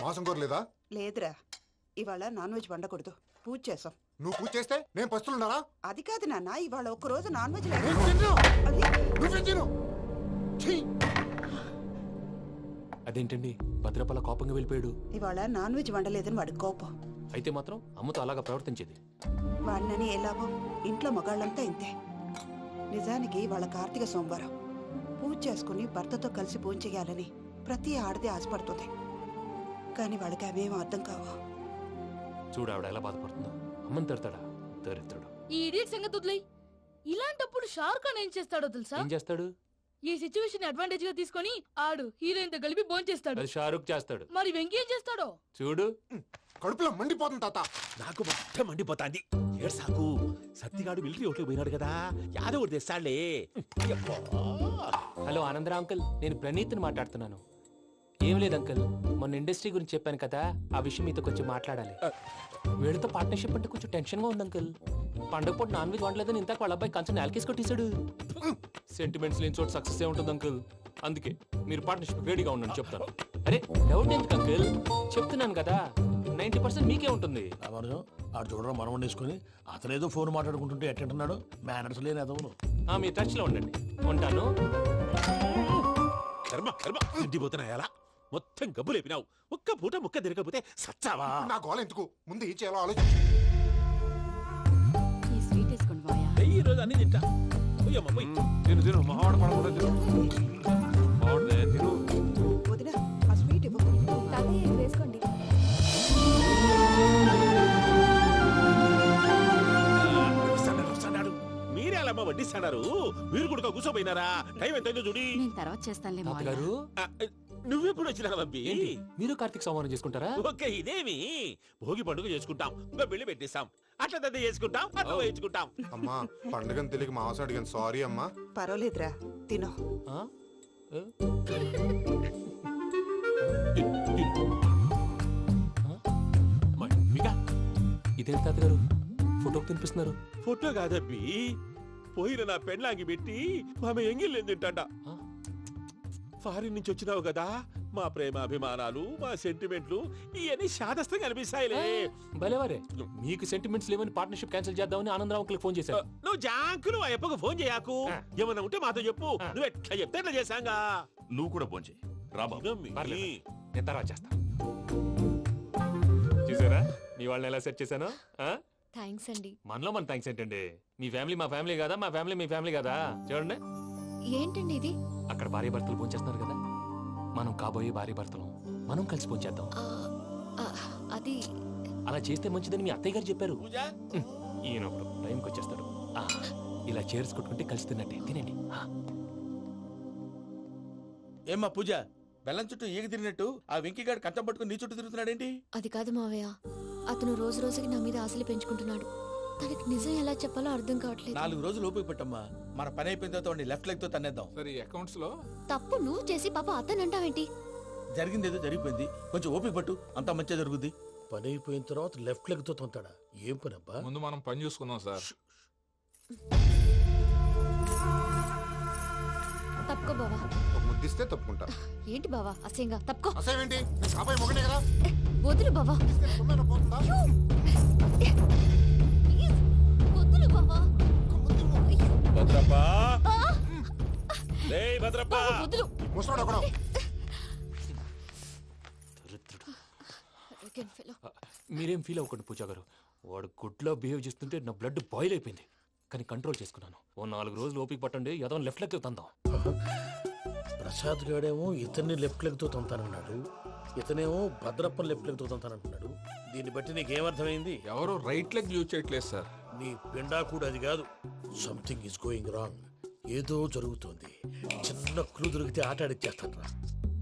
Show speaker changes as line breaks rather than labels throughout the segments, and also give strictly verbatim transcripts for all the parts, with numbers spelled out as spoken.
మాసం కోరలేదా?
లేదురా, ఇవాళ నాన్ వెజ్ వండకూడదు, పూజ చేసాం.
నువ్వు పూజ చేస్తే నేను పస్తులున్నారా?
అది కాదు నాన్న, ఇవాళ ఒక్క రోజు నాన్ వెజ్
నేను తిన్ను.
అది
నువ్వే తిను. ఛీ!
అదేంటండి భద్రపల కోపంగా వెళ్ళిపోయాడు?
ఇవాళ నాన్ వెజ్ వండలేదని వాడి కోపం.
అయితే మాత్రం అమ్మతో అలాగా ప్రవర్తించేది.
వాడినని ఎలాగో ఇంట్లో మగాళ్ళంతా ఇంతే. నిజానికి వాళ్ళ కార్తీక సోమవారం పూజ చేసుకుని భర్తతో కలిసి పూజ చేయాలని ప్రతి ఆడది ఆశపడుతుంది. కానీ వాళ్ళకి అవేం అర్థం కావు.
చూడు ఆవిడ ఎలా బాధపడుతుందో. అమ్మని తిడతాడా దరిద్రుడు.
ఈ ఇడియట్ సంగతి వదిలేయ్. ఇలాంటప్పుడు షారుఖ్ ఖాన్ ఏం చేస్తాడో తెలుసా?
ఏం చేస్తాడు?
ఈ సిచ్యువేషన్ అడ్వాంటేజ్ గా తీసుకొని ఆడు హీరోయిన్ తో కలిపి బోన్ చేస్తాడు.
అది షారుఖ్ చేస్తాడు.
మరి వెంకీ ఏం చేస్తాడో
చూడు.
కడుపులో మండిపోతుంది తాత.
నాకు మొత్తం మండిపోతాంది. ఏడు సాకు సత్తిగాడు మిలిటరీ ఒకటి పోయినాడు కదా, యాదవ్ ఒకటి తెస్తాడులే.
హలో ఆనందరా అంకుల్, నేను ప్రణీత్ని మాట్లాడుతున్నాను. ఏం లేదు అంకుల్, మొన్న ఇండస్ట్రీ గురించి చెప్పాను కదా, ఆ విషయం మీతో కొంచెం మాట్లాడాలి. వీళ్ళతో పార్ట్నర్షిప్ అంటే కొంచెం టెన్షన్ గా ఉంది అంకుల్. పండగ పూట నాన్ వెజ్ వండలేదని ఇంతకు వాళ్ళ అబ్బాయి కంచెం నేలకేసి కొట్టేశాడు. సెంటిమెంట్స్ లేని చోట సక్సెస్ ఏ ఉంటుంది అంకుల్. అందుకే మీరు పార్ట్నర్షిప్ రెడీగా ఉండండి చెప్తాను. అరే డౌట్ ఎందుకు అంకుల్, చెప్తున్నాను కదా, నైన్టీ పర్సెంట్ మీకే ఉంటుంది.
ఆడు చూడడం మనం వండేసుకుని అతనేదో ఫోన్ మాట్లాడుకుంటుంటే ఎట్టంటున్నాడు. మేనర్స్ లేని అదవును.
మీ టచ్ లో ఉండండి, ఉంటాను.
కర్మ కర్మ ఇంటిపోతున్నా ఎలా మొత్తం గబ్బు లేపినావు. ఒక్క పూట ముక్క తిరగకపోతే సచ్చావా?
నా గోల ఎందుకు, ముందు ఏం చేయాలో ఆలోచించు.
ఈ స్వీట్ వేసుకోండి బాయా.
ఈ రోజు అన్ని తింటా. పోయమ్మ పోయి.
తిను తిను మావాడు పడకుండా తిను. మావాడే తిను.
వదిన ఆ స్వీట్ ఇవ్వు.
వేసుకోండి.
వస్తాడాడు, వస్తాడాడు. మీరే అలా అమ్మ వడ్డిస్తాడారు. మీరు కూడా కూర్చోపోయినారా? టైం ఎంతైందో చూడి.
నేను తర్వాత చేస్తానులే మావయ్య.
తాతగారు
ఆ, నువ్వెప్పుడు వచ్చినా బంపి?
ఏంటి మీరు కార్తీక సంహారం చేసుకుంటారా?
ఓకే, ఇదేమి భోగి పండుగ చేసుకుంటాం, ఇంకా పెళ్లి పెట్టేస్తాం, అట్లా దద్ద చేసుకుంటాం, అట్లా వేయించుకుంటాం.
అమ్మా పండుగని తెలియక మాసం అడిగాను, సారీ అమ్మా.
పర్వాలేదురా, తినో.
ఆ? ఏ?
మమ్మిగా
ఇదేంటి తాతగారు ఫోటోకి తినిపిస్తున్నారు?
ఫోటో కాదబ్బి, పోయిన నా పెళ్ళాంగి పెట్టి ఆమె ఎంగిల్లేం తింటాడ.
ఆ?
ఫారిన్ నుంచి వచ్చినావు కదా, మా ప్రేమ అభిమానాలు, మా సెంటిమెంట్లు ఇవన్నీ శాదస్తంగా అనిపిస్తాయిలే.
భలేవారే, మీకు సెంటిమెంట్స్ లేవని పార్ట్నర్షిప్ క్యాన్సిల్ చేద్దామని ఆనందరావు అంకుల్ ఫోన్ చేశారు.
నువ్వు జాంకులు ఆ అప్పకు ఫోన్ చేయకు.
ఆ.
ఏమన్నా ఉంటే మాతో చెప్పు.
ఆ.
నువ్వు ఎట్లా చెప్తే ఎట్లా చేశాంగా.
నువ్వు కూడా ఫోన్ చేయి రా బాబు.
ఇదమ్మి.
పర్లేదు, నేను తర్వాత చేస్తా. చూసారా మీ వాళ్ళని ఎలా సెట్ చేశాను?
థ్యాంక్స్ అండి.
మనలో మన థ్యాంక్స్ ఏంటండి, మీ ఫ్యామిలీ మా ఫ్యామిలీ కదా, మా ఫ్యామిలీ మీ ఫ్యామిలీ కదా. చూడండి,
ఏంటండి ఇది?
అక్కడ భార్య భర్తలు పోంచేస్తున్నారు కదా, మనం కాబోయే భార్య భర్తలు మనం కలిసి పోంచేద్దాం.
ఆ, ఆ, అది
అలా చేస్తే మంచిదని మీ అత్తయ్య గారు చెప్పారు.
పూజ
హ్మ్, ఈయన ఒకడు టైంకి వచ్చేస్తాడు. ఆ, ఇలా చేర్స్ కొట్టుకుంటే కలిసి తిన్నట్టే, తినండి. ఆ.
ఏమ్మా పూజ, బెల్లం చుట్టూ ఈగ తిరిగినట్టు ఆ వెంకీగాడు కంచం పట్టుకుని నీ చుట్టూ తిరుగుతున్నాడేంటి?
అది కాదు మావయ్య, అతను రోజు రోజుకి నా మీద ఆశలు పెంచుకుంటున్నాడు. తనకి నిజం ఎలా చెప్పాలో అర్థం కావట్లేదు.
నాలుగు రోజులు ఓపిక పట్టమ్మా, మన పని అయిపోయిన తర్వాత వాడిని లెఫ్ట్ లెగ్ తో తన్నేద్దాం.
సరే అకౌంట్స్ లో
తప్పు నువ్వు చేసి పాప అతను అంటావేంటి?
జరిగింది ఏదో జరిగిపోయింది, కొంచెం ఓపిక పట్టు, అంతా మంచిగా జరుగుద్ది. పని అయిపోయిన తర్వాత లెఫ్ట్ లెగ్ తో తొంతాడా? ఏం పని అబ్బా?
ముందు మనం పని చూసుకుందాం సార్.
తప్పుకో బావా.
ఒక ముద్దిస్తే తప్పుకుంటా.
ఏంటి బావా అసహ్యంగా? తప్పుకో.
అసేమేంటి, నేను కాబోయే మొగనే కదా.
ఏ, వదులు బావా.
ఇస్తే సొమ్మేనా పోతుందా?
ఏ, ప్లీజ్, వదులు బావా.
భద్రప్ప,
ఆ,
రేయ్ భద్రప్ప.
బావా, వదులు.
ముసలోడు ఒకడు.
దరిద్రుడు.
Arrogant fellow.
ఆ, మీరేం ఫీల్ అవ్వకండి పూజా గారు, వాడు గుడ్లో బిహేవ్ చేస్తుంటే నా బ్లడ్ బాయిల్ అయిపోయింది. కానీ కంట్రోల్ చేసుకున్నాను. ఓ నాలుగు రోజులు ఓపిక పట్టండి, ఏదో లెఫ్ట్ లెక్క తందాం.
ప్రసాద్ గాడేమో ఇతన్ని లెఫ్ట్ లెగ్ తో తొంతానన్నాడు, ఇతనేమో భద్రప్పని లెఫ్ట్ లెగ్ తో తొంతానంటున్నాడు. దీన్ని బట్టి నీకేమర్థమైంది?
ఎవరు రైట్ లెగ్ యూజ్ చేయట్లేదు సార్.
నీ పిండా కూడా అది కాదు. Something is going wrong. ఏదో జరుగుతోంది. చిన్న క్లూ దొరికితే ఆట ఆడిచ్చేస్తాను రా.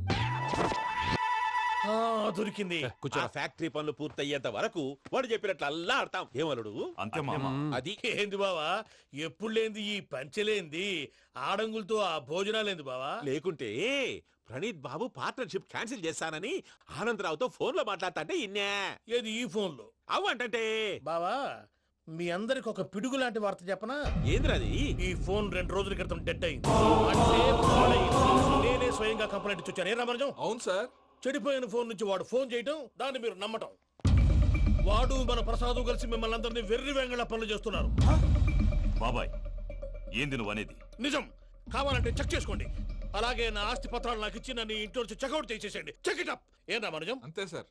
ఆ, దొరికింది.
కూర్చో.
ఆ ఫ్యాక్టరీ పనులు పూర్తయ్యేంత వరకు వాడు చెప్పినట్లు అల్లా ఆడతాం. ఏమలుడు
అంతే మామ.
అది
ఏంది బావా, ఎప్పుడు లేంది ఈ పంచలేంది, ఆడంగులతో ఆ భోజనాలేంది బావా?
లేకుంటే ప్రణీత్ బాబు పార్ట్నర్షిప్ క్యాన్సిల్ చేస్తానని ఆనందరావుతో ఫోన్ లో మాట్లాడతాంటే ఇన్నే.
ఏది ఈ ఫోన్ లో?
అవ్వంటే
బావా, మీ అందరికి ఒక పిడుగు లాంటి వార్త చెప్పనా?
ఏంద్రది?
ఈ ఫోన్ రెండు రోజుల క్రితం డెడ్ అయింది. అంటే పాడైంది. నేనే స్వయంగా కంప్లైంట్ ఇచ్చి వచ్చాను. ఏ రామరాజం?
అవును సార్.
చెడిపోయిన ఫోన్ నుంచి వాడు ఫోన్ చేయటం, దాన్ని మీరు నమ్మటం. వాడు మన ప్రసాదు కలిసి మిమ్మల్ని అందరినీ వెర్రి వెంగళ పనులు చేస్తున్నారు.
బాబాయ్ ఏంది నువ్వు అనేది?
నిజం. కావాలంటే చెక్ చేసుకోండి. అలాగే నా ఆస్తి పత్రాలు నాకు ఇచ్చి నన్ను ఇంట్లో నుంచి చెక్అౌట్ చేసేసేయండి. Check it up. ఏం రామానుజం?
అంతే సార్.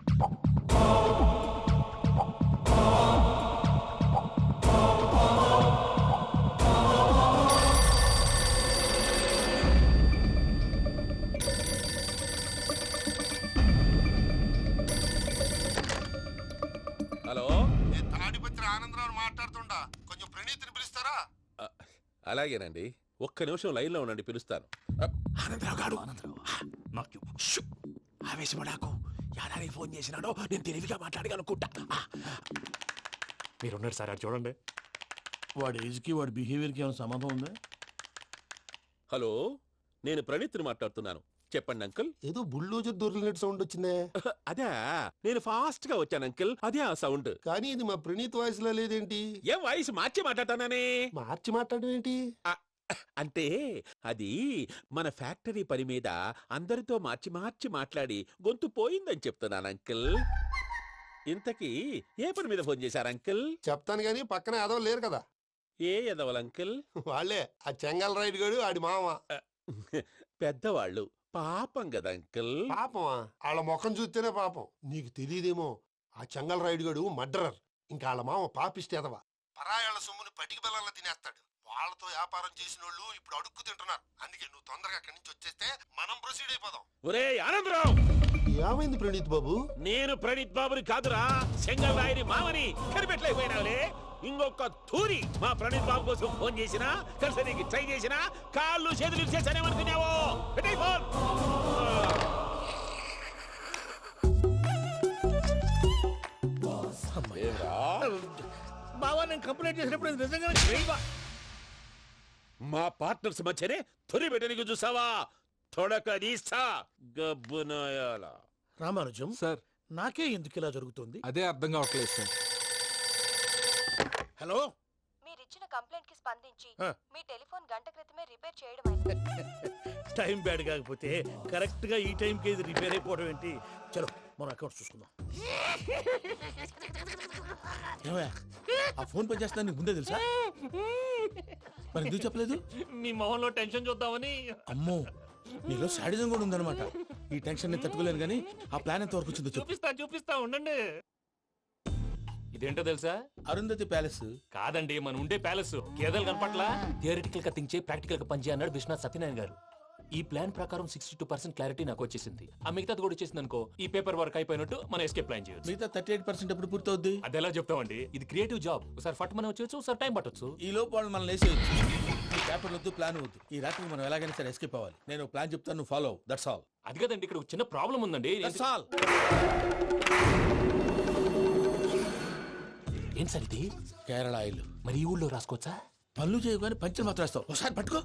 హలో,
నేను తాడిపత్రి ఆనందరావు మాట్లాడుతుండా, కొంచెం ప్రణీతిని పిలుస్తారా?
అలాగేనండి. ఒక్క నిమిషం లైన్ లో ఉండండి, పిలుస్తాను.
ఆనందరావు గాడు.
నాకు
ఆవేశపడాకు. యాదానికి ఫోన్ చేసినాడో నేను తెలివిగా మాట్లాడగలనుకుంటా.
మీరున్నారు సార్, అది చూడండి.
వాడి ఏజ్కి వాడి బిహేవియర్కి ఏమైనా సంబంధం ఉందా?
హలో, నేను ప్రణీత్ని మాట్లాడుతున్నాను. చెప్పండి అంకుల్.
ఏదో బుల్డోజర్ దొరికినట్టు సౌండ్ వచ్చిందే.
అదే, నేను ఫాస్ట్ గా వచ్చాను అంకుల్. అదే ఆ సౌండ్.
కానీ ఇది మా ప్రణీత్ వాయిస్ లో లేదేంటి?
ఏం వాయిస్ మార్చి మాట్లాడతానని?
మార్చి మాట్లాడడం ఏంటి?
అంటే అది మన ఫ్యాక్టరీ పని మీద అందరితో మార్చి మార్చి మాట్లాడి గొంతు పోయిందని చెప్తున్నాను అంకుల్. ఇంతకీ ఏ పని మీద ఫోన్ చేశారు అంకుల్?
చెప్తాను గానీ పక్కన ఏదో లేరు కదా.
ఏ ఎదవల్ అంకుల్?
వాళ్ళే ఆ చెంగల్ రైడ్ గడు ఆడి మామ.
పెద్దవాళ్ళు పాపం కదా అంకుల్.
పాపమా? వాళ్ళ ముఖం చూస్తేనే పాపం. నీకు తెలియదేమో, ఆ చెంగల్ రైడ్ గడు మర్డరర్. ఇంకా వాళ్ళ మామ పాపిస్తేదవా. పరాయాళ్ళ సొమ్ముని పటికి బెల్లంలో తినేస్తాడు. వాళ్ళతో వ్యాపారం చేసిన వాళ్ళు ఇప్పుడు అడుక్కు తింటున్నారు. అందుకే నువ్వు తొందరగా అక్కడి నుంచి వచ్చేస్తే మనం ప్రొసీడ్ అయిపోదాం.
ఒరే ఆనందరావు,
ఏమైంది ప్రణీత్ బాబు?
నేను ప్రణీత్ బాబుని కాదురా, సెంగల్ రాయని మామని. కనిపెట్టలేకపోయినావులే. ఇంకొక తూరి మా ప్రణీత్ బాబు కోసం ఫోన్ చేసినా, కలిసి ట్రై చేసినా కాళ్ళు చేతులు చేశానేమనుకున్నావో. పెట్టే ఫోన్.
బావా, నేను కంప్లైంట్ చేసినప్పుడు నిజంగా
మా పార్ట్నర్స్ మధ్యనే తొలి పెట్టడానికి చూసావా? తొడక నీస్తా గబ్బునాయాల.
రామానుజం
సార్,
నాకే ఎందుకు ఇలా జరుగుతుంది?
అదే అర్థం కావట్లేదు సార్.
హలో,
మీరిచ్చిన కంప్లైంట్ కి స్పందించి
ఆ.
మీ టెలిఫోన్ గంట క్రితమే రిపేర్ చేయడం
టైం బ్యాడ్ కాకపోతే కరెక్ట్ గా ఈ టైం కి ఇది రిపేర్ అయిపోవడం ఏంటి? చలో మన అకౌంట్ చూసుకుందాం. ఏమయ్య, ఆ ఫోన్ పని చేస్తున్నా నీకు ముందే తెలుసా? మరి ఎందుకు చెప్పలేదు?
మీ మొహంలో టెన్షన్ చూద్దామని.
అమ్మో, నీలో శాడిజం కూడా ఉందన్నమాట. ఈ టెన్షన్ నేను తట్టుకోలేను కానీ ఆ ప్లాన్ ఎంత వరకు వచ్చిందో చెప్పు.
చూపిస్తా చూపిస్తా ఉండండి. ఇదేంటో తెలుసా?
అరుంధతి ప్యాలెస్
కాదండి, మన ఉండే ప్యాలెస్. గేదెలు కనపట్లా? థియరిటికల్ గా థింక్ చేయి, ప్రాక్టికల్ గా పనిచేయ అన్నాడు విశ్వనాథ్ సత్యనారాయణ గారు. ఈ ప్లాన్ ప్రకారం సిక్స్టీ టూ పర్సెంట్ క్లారిటీ నాకు వచ్చేసింది. ఆ మిగతాది కూడా వచ్చేసింది అనుకో, ఈ పేపర్ వర్క్ అయిపోయినట్టు మనం ఎస్కేప్ ప్లాన్ చేయొచ్చు.
మిగతా థర్టీ ఎయిట్ పర్సెంట్ ఎప్పుడు పూర్తవుద్ది?
అది ఎలా చెప్తామండి? ఇది క్రియేటివ్ జాబ్. ఒకసారి ఫట్ మనం వచ్చేచ్చు, ఒకసారి టైం పట్టొచ్చు.
ఈ లోపు వాళ్ళు మనం లేసేయచ్చు. ఈ పేపర్ వద్దు, ప్లాన్ వద్దు. ఈ రాత్రి మనం ఎలాగైనా సరే ఎస్కేప్ అవ్వాలి. నేను ప్లాన్ చెప్తాను, నువ్వు ఫాలో. That's all.
అది కదండి, ఇక్కడ ఒక చిన్న ప్రాబ్లం ఉందండి.
That's all.
ఏం సార్ ఇది?
కేరళ ఆయిల్.
మరి ఈ ఊళ్ళో రాసుకోవచ్చా?
పనులు చేయగానే పంచర్ మాత్రం వేస్తావు. ఒకసారి పట్టుకో.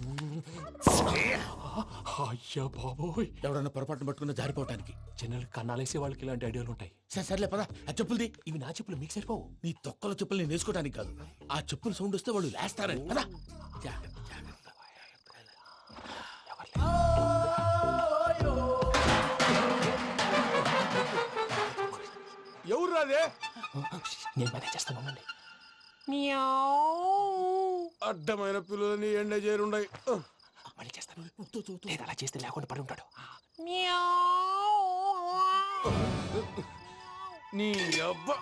అయ్యా బాబోయ్,
ఎవడన్నా పొరపాటున పట్టుకున్న జారిపోవటానికి.
జనరల్ కన్నాలేసే వాళ్ళకి ఇలాంటి ఐడియాలు ఉంటాయి.
సరే సర్లే పదా. ఆ చెప్పులది.
ఇవి నా చెప్పులు, మీకు సరిపోవు.
నీ తొక్కల చెప్పులు నేను వేసుకోవడానికి కాదు, ఆ చెప్పులు సౌండ్ వస్తే వాళ్ళు లేస్తారని. పదా.
ఎవరు రాదే?
నేను మేనేజ్ చేస్తాను, ఉండండి.
అడ్డమైన పిల్లలని ఎండ చేరుండయి.
మళ్ళీ చేస్తాను. లేదు, అలా చేస్తే లేకుండా పడి ఉంటాడు.
నీ అబ్బా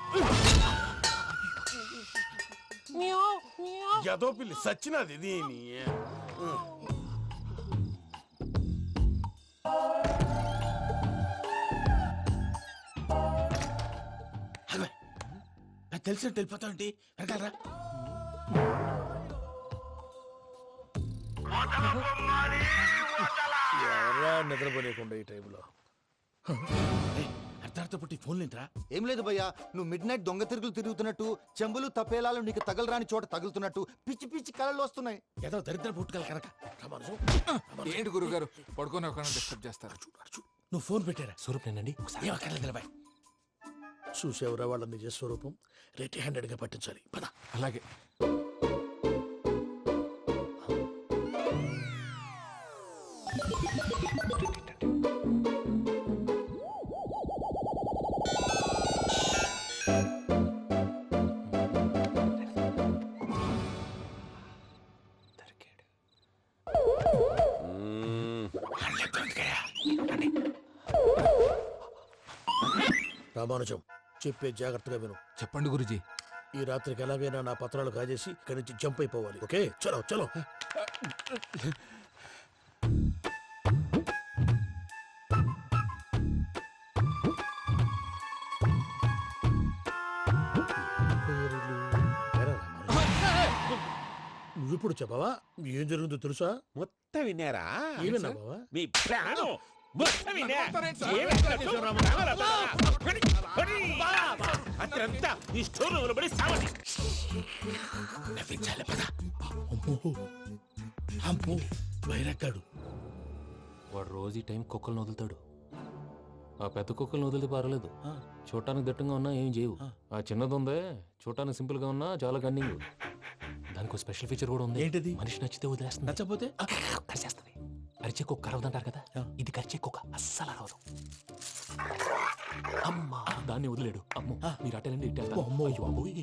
ఎదో పిల్లి సచ్చినది దీని.
తెలిసినట్టు వెళ్ళిపోతావంటి. వెనకాలరా. ఎవరా నిద్రపోలేకుండా ఈ టైంలో? అర్ధార్థ పుట్టి ఫోన్ లేంట్రా?
ఏం లేదు భయ్యా, నువ్వు మిడ్ నైట్ దొంగ తిరుగులు తిరుగుతున్నట్టు, చెంబులు తపేలాలు నీకు తగలరాని చోట తగులుతున్నట్టు పిచ్చి పిచ్చి కళలు వస్తున్నాయి.
ఏదో దరిద్ర పుట్టుకల కనుక.
ఏంటి గురుగారు పడుకొని ఒక డిస్టర్బ్ చేస్తారు?
నువ్వు ఫోన్ పెట్టారా?
స్వరూప్ నేనండి.
ఏమక్కర్లేదు. చూసేవరా వాళ్ళ నిజ స్వరూపం. రెట్టి హ్యాండెడ్ గా పట్టించాలి. పద.
అలాగే.
రామానుజం చెప్పే జాగ్రత్తగా విను.
చెప్పండి గురుజీ.
ఈ రాత్రికి ఎలాగైనా నా పత్రాలు కాజేసి ఇక్కడి నుంచి జంప్ అయిపోవాలి. ఓకే, చలో చలో. నువ్విప్పుడు చెప్పవా ఏం జరుగుతుందో తెలుసా?
మొత్తం విన్నారా?
ఏమన్నా బావా?
మీ ప్రాణం మొత్తం విన్నా. అత్రంతా ఈ స్టోర్ రూమ్ లో పడి సావండి.
నవ్వించాలి పద. అమ్మో అమ్మో బైరక్కాడు.
వాడు రోజు ఈ టైం కుక్కలను వదులుతాడు. ఆ పెద్ద కుక్కలను వదిలితే పర్లేదు, చూడటానికి దట్టంగా ఉన్నా ఏం చేయవు. ఆ చిన్నది ఉందే చూడటానికి సింపుల్ గా ఉన్నా చాలా గన్నింగ్. దానికి ఒక స్పెషల్ ఫీచర్ కూడా ఉంది.
ఏంటిది?
మనిషి నచ్చితే వదిలేస్తుంది,
నచ్చపోతే
కరిచేస్తుంది. అరిచే కుక్క అరవదంటారు కదా, ఇది కరిచే కుక్క అస్సలు అరవదు. అమ్మా దాన్ని వదిలేడు. అమ్మో మీరు అటెండి ఇట్టేస్తారు. అమ్మో అయ్యో అబ్బోయ్.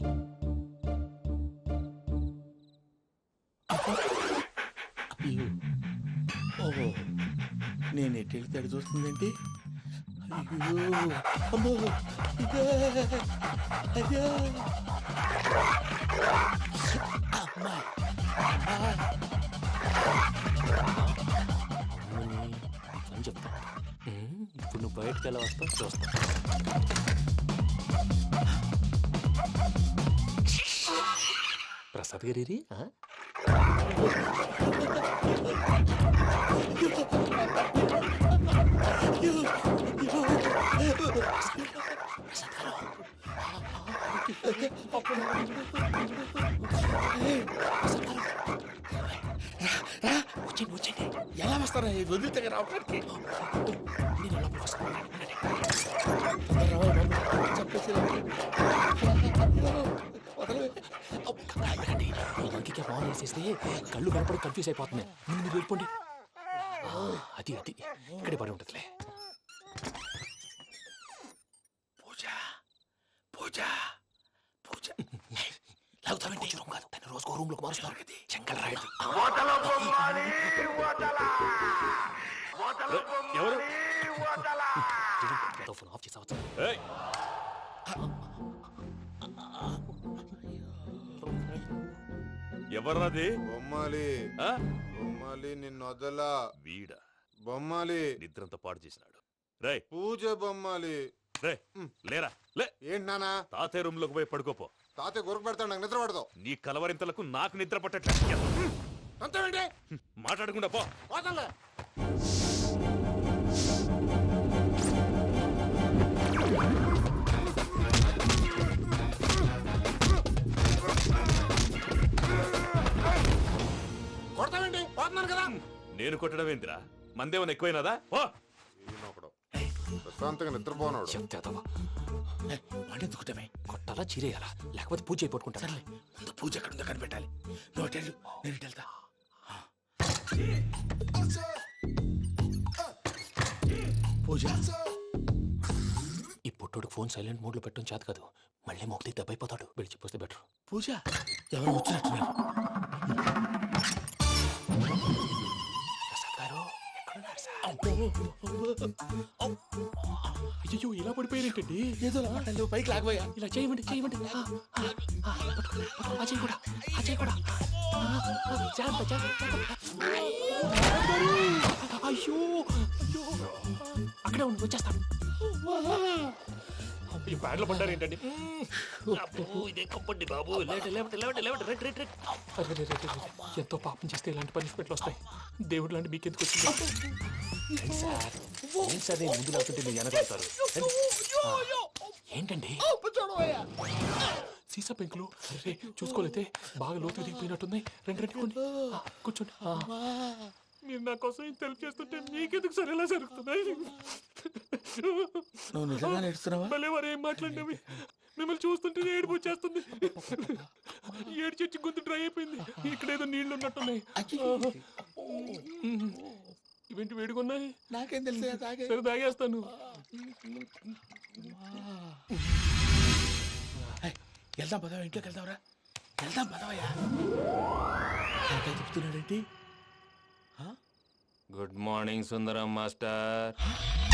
ఓహో నేను ఎట్టి తడి చూస్తుందేంటి? అయ్యో అమ్మో ఇదే అయ్యో అమ్మా
అని చెప్తా. ఇప్పుడు నువ్వు బయటకు ఎలా వస్తావు చూస్తా. ప్రసాద్ గారి వచ్చండి వచ్చండి.
ఎలా వస్తారా వదిలితే రావడానికి?
నేను లోపల వస్తాను. ఇంకే ఫోన్ వేసేస్తే కళ్ళు కనపడి కన్ఫ్యూజ్ అయిపోతున్నాయి. ముందు మీరు వెళ్ళిపోండి. అది అది ఇక్కడే పడి ఉంటుందిలే.
పూజ పూజ పూజ
లాగుతామంటే రూమ్ కాదు, తను రోజుకో రూమ్ లోకి మారుస్తారు. చెంగల్ రాయుడు
ఎవరు?
ఫోన్ ఆఫ్ చేసావచ్చు.
ఎవర్రాది?
బొమ్మాలి బొమ్మాలి నిన్ను వదలా.
వీడ
బొమ్మాలి
నిద్రంతా పాడు చేసినాడు. రే
పూజ బొమ్మాలి.
రే లేరా లే.
ఏంటి నానా?
తాతయ్య రూమ్ లోకి పోయి పడుకోపో.
తాతయ్య గురకు పెడతాడు, నాకు నిద్ర పడతావు.
నీ కలవరింతలకు నాకు నిద్ర పట్టట్లేదు.
అంతేంటి?
మాట్లాడకుండా పో.
పోతాలే. కొడతావేంటి? పోతున్నాను కదా.
నేను కొట్టడం ఏంటిరా? మందేమన్నా ఎక్కువైనదా? ఓ
ప్రశాంతంగా నిద్రపోనాడు.
చెప్తావా
పండించుకుంటామే.
కొట్టాలా చీరేయాలా లేకపోతే పూజ అయిపోట్టుకుంటా.
సర్లే ముందు పూజ ఎక్కడ ఉందో కనిపెట్టాలి. నువ్వు వెళ్ళు, నేను ఇటు వెళ్తా. పూజ
ఈ పుట్టుడికి ఫోన్ సైలెంట్ మోడ్ లో పెట్టడం చేత కాదు, మళ్ళీ మొక్కి దెబ్బైపోతాడు. వెళ్ళి చెప్పొస్తే బెటర్.
పూజ ఎవరు వచ్చినట్టున్నారు?
ప్రసాద్ గారు అయ్యో ఇలా పడిపోయినట్టండి.
ఏదో మాట్లాడలేవు, పైకి లాగబోయా.
ఇలా చేయమండి చేయమండి. అజయ్ కూడా అజయ్ కూడా జాగ్రత్త జాగ్రత్త. అయ్యో అయ్యో అక్కడే ఉండి వచ్చేస్తాను. ఈ బ్యాగ్ లో పడ్డారు ఏంటండి? ఇదే కప్పండి బాబు. ఎంతో పాపం చేస్తే ఇలాంటి పనిష్మెంట్లు వస్తాయి. దేవుడు లాంటి మీకు ఎందుకు వచ్చింది? సార్ ముందు లేకుంటే మీరు వెనకాడతారు. ఏంటండి సీసా పెంకులు చూసుకోలేతే బాగా లోతుగా దిగిపోయినట్టున్నాయి. రెండు రెండు కొన్ని కూర్చోండి. మీరు నా కోసం ఇంత హెల్ప్ చేస్తుంటే మీకెందుకు సరే ఎలా జరుగుతున్నాయి?
నువ్వు నిజంగా నేర్చుతున్నావా?
మళ్ళీ వారు ఏం మాట్లాడినవి మిమ్మల్ని చూస్తుంటే ఏడుపు వచ్చేస్తుంది. ఏడు చెట్టు గొంతు డ్రై అయిపోయింది. ఇక్కడ ఏదో నీళ్లు ఉన్నట్టున్నాయి. ఇవేంటి వేడుకున్నాయి?
నాకేం తెలుసు,
సరే తాగేస్తాను.
వెళ్దాం పదవా, ఇంట్లోకి వెళ్దాంరా. వెళ్దాం పదవయ్యా. చెప్తున్నాడేంటి?
Good morning Sundaram master.